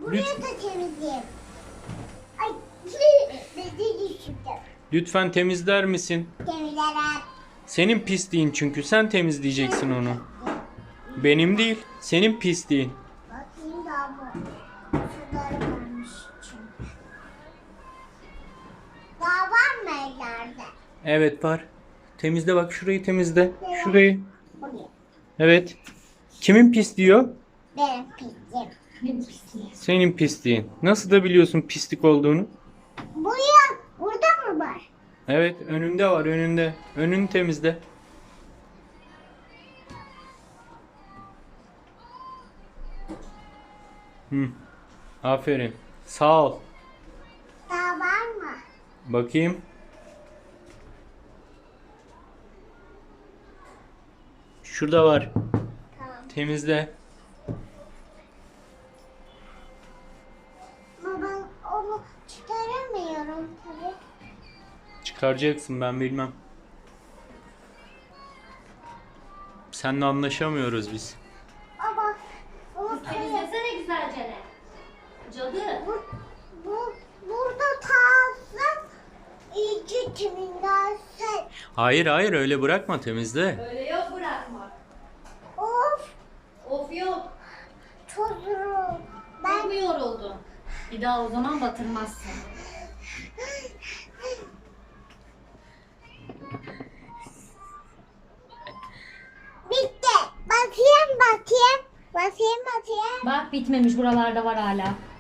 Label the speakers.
Speaker 1: Buraya da temizleyeyim. Ay, bezi düşürdüm.
Speaker 2: Lütfen temizler misin?
Speaker 1: Temizlerim.
Speaker 2: Senin pisliğin çünkü. Sen temizleyeceksin onu. Benim değil. Senin pisliğin.
Speaker 1: Bakayım daha bu. Şunları varmış çünkü. Daha var mı ellerde?
Speaker 2: Evet var. Temizle bak, şurayı temizle. Şurayı.
Speaker 1: Buraya.
Speaker 2: Evet. Kimin pisliği o?
Speaker 1: Benim pisliğim.
Speaker 2: Senin pisliğin. Nasıl da biliyorsun pislik olduğunu?
Speaker 1: Buraya. Burada mı var?
Speaker 2: Evet, önünde var, önünde. Önünü temizle. Hı. Aferin. Sağ ol.
Speaker 1: Daha var mı?
Speaker 2: Bakayım. Şurada var.
Speaker 1: Tamam.
Speaker 2: Temizle.
Speaker 1: Ama ben onu çıkaramıyorum tabii.
Speaker 2: Çıkaracaksın, ben bilmem. Seninle anlaşamıyoruz biz.
Speaker 1: Ama bunu
Speaker 3: Temizlesene güzelce ne? Cadı.
Speaker 1: burada kalsın iyice temizlensin.
Speaker 2: Hayır hayır, öyle bırakma, temizle.
Speaker 3: Öyle yok bırakmak.
Speaker 1: Of
Speaker 3: Of yok.
Speaker 1: çok zor.
Speaker 3: Ben
Speaker 1: Ben
Speaker 3: mi yoruldun? Bir daha o zaman batırmazsın.
Speaker 1: bitti. Bakayım. Bakayım.
Speaker 3: Bak bitmemiş, buralarda var hala.